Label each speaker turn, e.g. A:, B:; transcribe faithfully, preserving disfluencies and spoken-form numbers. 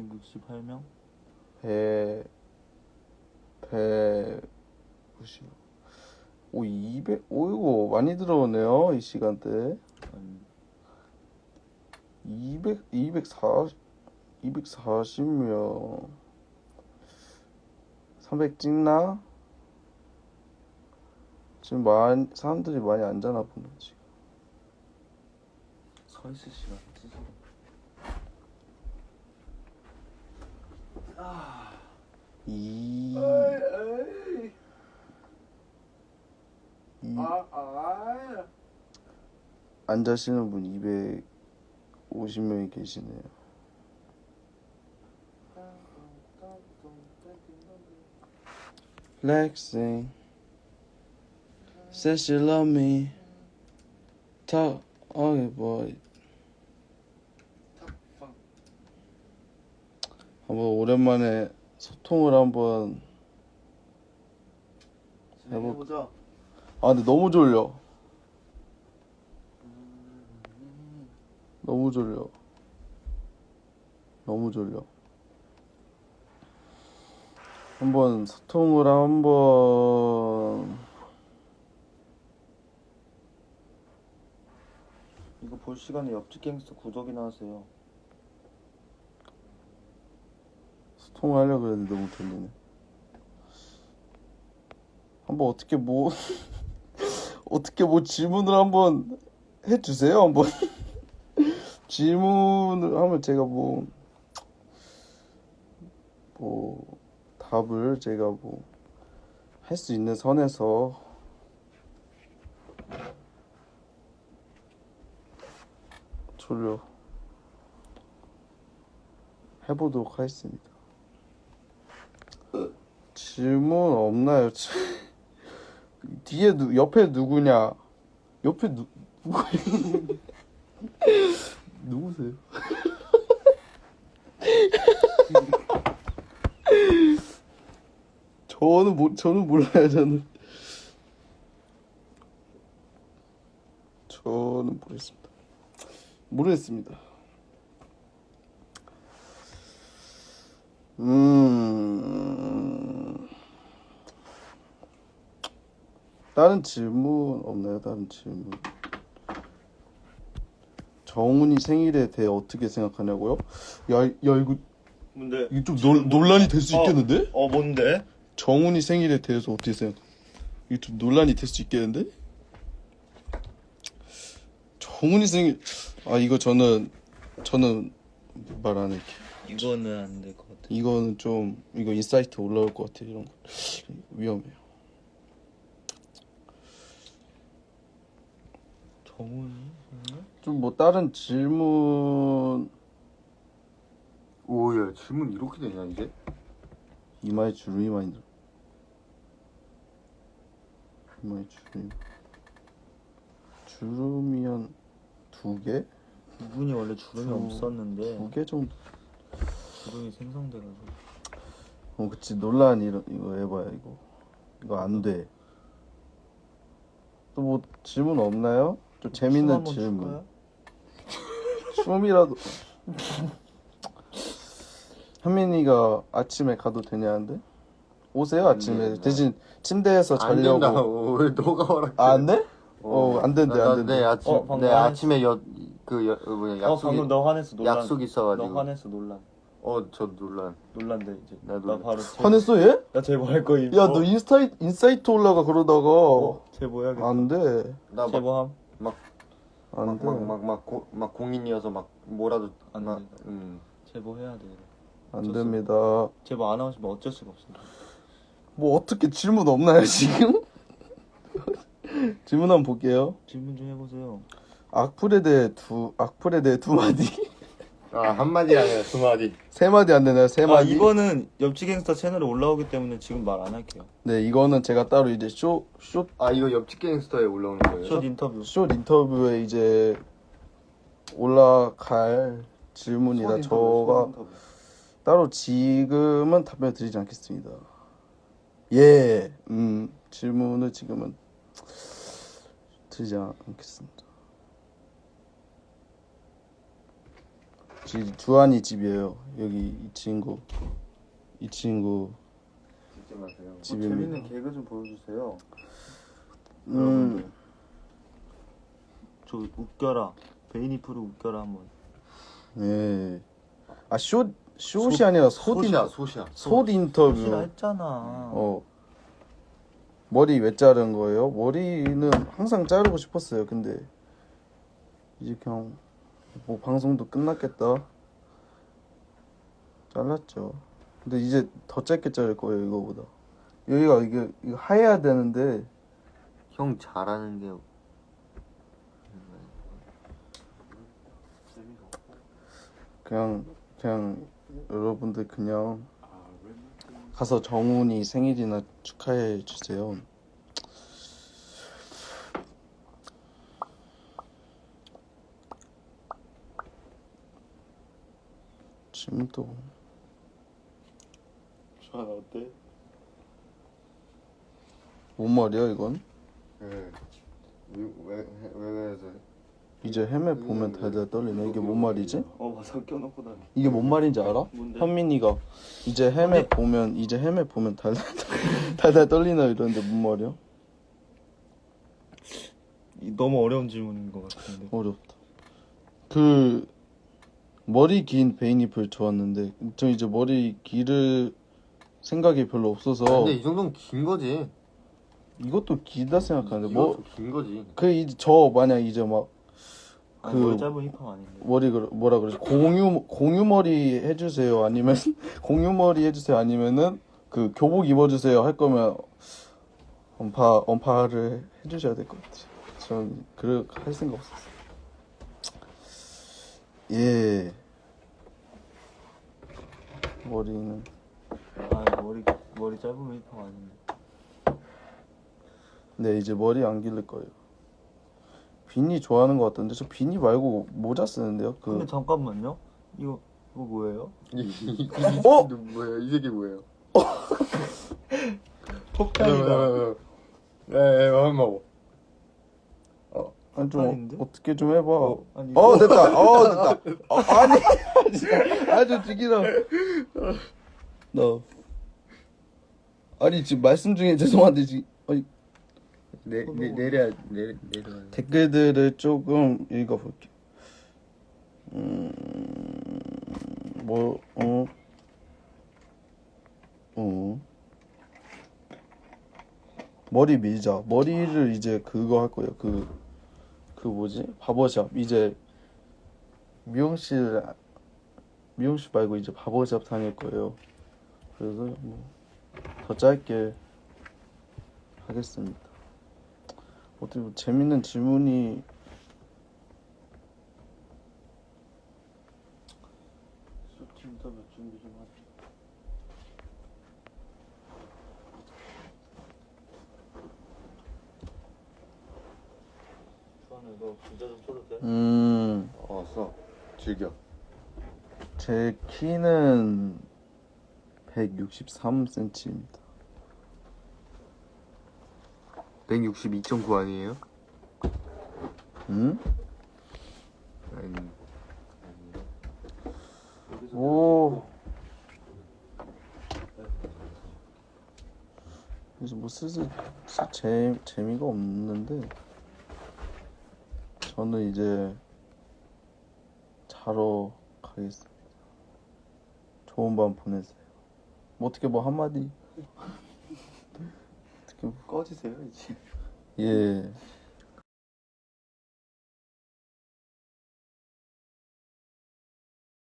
A: 백육십팔 명?
B: 백, 백구십. 오, 이백, 오, 이거 많이 들어오네요, 이 시간대.
A: 아니,
B: 이백, 이백사십, 이백사십 명. 삼백 찍나? 지금 많이, 사람들이 많이 안 자나 보네, 지금.
A: 서있을 시간 스스로. 아.
B: 이,
A: 에이,
B: 이,
A: 아, 아.
B: 안 자시는 분 이백오십 명이 계시네요. Flexing, says she love me. Talk, okay boy. 한번 오랜만에 소통을 한번
A: 해보자.
B: 아 근데 너무 졸려. 너무 졸려. 너무 졸려. 한번 소통을 한번.
A: 이거 볼 시간에 옆집 갱스터 구독이나 하세요.
B: 소통을 하려고 했는데 너무 졸리네. 한번 어떻게 뭐 어떻게 뭐 질문을 한번 해주세요. 한번 질문을 하면 제가 뭐 뭐 답을 제가 뭐 할 수 있는 선에서 졸려 해보도록 하겠습니다. 질문 없나요? 뒤에 누 옆에 누구냐? 옆에 누 누구예요? 누구세요? 저는 모 저는 몰라요. 저는 저는 모르겠습니다. 모르겠습니다. 음. 다른 질문 없나요? 다른 질문. 정훈이 생일에 대해 어떻게 생각하냐고요? 야, 야 이거
A: 뭔데?
B: 이거 좀 논, 논란이 될 수 있겠는데?
A: 어, 뭔데?
B: 정훈이 생일에 대해서 어떻게 생각? 이거 좀 논란이 될 수 있겠는데? 정훈이 생일 아 이거 저는 저는 말 안 할게요.
A: 이거는 안 될 것 같아.
B: 이거는 좀 이거 인사이트 올라올 것 같아. 이런 거 위험해요.
A: 정훈이?
B: 좀 뭐 다른 질문.
C: 오야 질문 이렇게 되냐 이제?
B: 이마에 주름이 많이 들어. 이마에 주름이 주름이 한 두 개?
A: 이분이 원래 주름이
B: 두-
A: 없었는데
B: 두 개 정도.
A: 주름이 생성돼가지고.
B: 어 그치 논란 이거 이거 해봐요 이거 이거 안 돼. 또 뭐 질문 없나요? 좀 재밌는
A: 한번
B: 질문.
A: 줄까요?
B: 춤이라도. 현민이가 아침에 가도 되냐는데? 오세요 아침에.
C: 된다.
B: 대신 침대에서
C: 안
B: 자려고.
C: 된다고 왜 너가 허락해?
B: 아, 안 돼? 어, 안 된대,
C: 나-
B: 안
C: 나
B: 된대.
C: 내 아침
A: 어, 방금
C: 내
A: 화냈어.
C: 아침에 여그 뭐냐
A: 어,
C: 약속이
A: 방금 너 화냈어. 논란.
C: 약속 있어가지고.
A: 너 화냈어. 논란.
C: 어저 논란.
A: 논란돼 이제.
C: 나
A: 나
C: 논란.
A: 바로 제보-
B: 화냈어 얘?
A: 나 제보할 거임.
B: 야
A: 어?
B: 너 인스타이, 인사이트 올라가 그러다가.
A: 어? 제보해야겠다.
B: 안 돼.
C: 나막
A: 제보함?
B: 안 돼.
C: 막 막 막 막 공인이어서 막 뭐라도
A: 안
C: 막
A: 돼.
C: 음.
A: 제보해야 돼.
B: 안 됩니다.
A: 제보 안 하시면 어쩔 수가 없어.
B: 뭐 어떻게 질문 없나요 지금? 질문 한번 볼게요.
A: 질문 좀 해보세요.
B: 악플에 대해 두 악플에 대해 두 마디.
C: 아 한마디 아니라 두 마디.
B: 세 마디 안 되나요? 세
A: 아,
B: 마디.
A: 이거는 옆집 갱스터 채널에 올라오기 때문에 지금 말 안 할게요.
B: 네 이거는 제가 따로 이제 쇼 쇼
C: 아 이거 옆집 갱스터에 올라오는 거예요?
A: 숏 인터뷰.
B: 쇼 인터뷰에 이제 올라갈 질문이라 저가 따로 지금은 답변 드리지 않겠습니다. 예, 음 질문을 지금은 드리지 않겠습니다. 지, 주한이 집이에요. 여기 이 친구 이 친구
C: 잊지 마세요.
A: 뭐
B: 집입니다.
A: 재밌는 개그 좀 보여주세요.
B: 음,
A: 여러분들. 저 웃겨라. 베이니프를 웃겨라 한번.
B: 네. 아, 숏 숏이 아니라 숏 인,
C: 소시야 소시야.
B: 숏 인터뷰.
A: 싫어 했잖아.
B: 어. 머리 왜 자른 거예요? 머리는 항상 자르고 싶었어요. 근데 이제 그냥 뭐 방송도 끝났겠다. 잘랐죠. 근데 이제 더 짧게 자를 거예요, 이거보다. 여기가 이게 이거 하얘야 되는데
C: 형 잘하는 게
B: 그냥 그냥 여러분들 그냥 가서 정훈이 생일이나 축하해 주세요. 지금 또
A: 주한 어때?
B: 뭔 말이야 이건?
C: 네. 왜왜 그래서
B: 이제 헤매 보면 달달 떨리네. 이게 뭔 말이지?
A: 어 맞아 껴놓고 다니.
B: 이게 뭔 말인지 알아?
A: 뭔데?
B: 현민이가 이제 헤매 보면 이제 헤매 보면 달달 달달 떨리나 이러는데 뭔 말이야?
A: 이- 너무 어려운 질문인 것 같은데.
B: 어렵다. 그 머리 긴 베이니플 좋았는데 저 이제 머리 기를 생각이 별로 없어서
C: 근데 이 정도면 긴 거지.
B: 이것도 기다 생각하는데 뭐
C: 이것도 긴 거지.
B: 그 이제 저 만약 이제 막 그
A: 아니, 머리 짧은 힙합 아닌데.
B: 머리 그 뭐라 그러지 공유 공유 머리 해주세요 아니면 공유 머리 해주세요 아니면은 그 교복 입어주세요 할 거면 언파 언파를 해주셔야 될 것 같아요. 전 그럴 할 생각 없었어요. 예. 머리는
A: 아 머리 머리 짧으면 힙합 아닌데.
B: 네 이제 머리 안 기를 거예요. 비니 좋아하는 것 같던데 저 비니 말고 모자 쓰는데요. 그
A: 근데 잠깐만요. 이거 이거 뭐예요?
C: 이
B: 어?
C: 뭐예요? 이 새끼 뭐예요?
A: 폭탄이다.
C: 네, 한번 먹어.
B: 아니 좀
A: 폭탄인데?
B: 어, 어떻게 좀 해봐. 어,
A: 아니
B: 됐다. 어 됐다. 어, 아니 아주 죽이라. 너 아니 지금 말씀 중에 죄송한데 지금 아니,
C: 내, 내 내려 내려 내려.
B: 댓글들을 조금 읽어볼게. 음, 뭐, 어, 어. 머리 밀자. 머리를 이제 그거 할 거예요. 그, 그 뭐지? 바버샵. 이제 미용실, 미용실 말고 이제 바버샵 다닐 거예요. 그래서 뭐, 더 짧게 하겠습니다. 어떻게 뭐 재밌는 질문이
A: 쇼트 인터뷰 준비 좀 하자. 주한아 너 진짜 좀 쳐도 돼?
B: 음,
C: 어, 써. 즐겨.
B: 제 키는 백육십삼 센티미터입니다.
C: 백육십이 점 구 아니에요?
B: 음?
C: 아니.
B: 오. 그래서 뭐 슬슬 재 재미가 없는데 저는 이제 자러 가겠습니다. 좋은 밤 보내세요. 뭐 어떻게 뭐 한마디 어떻게 뭐,
A: 꺼지세요 이제.
B: 예.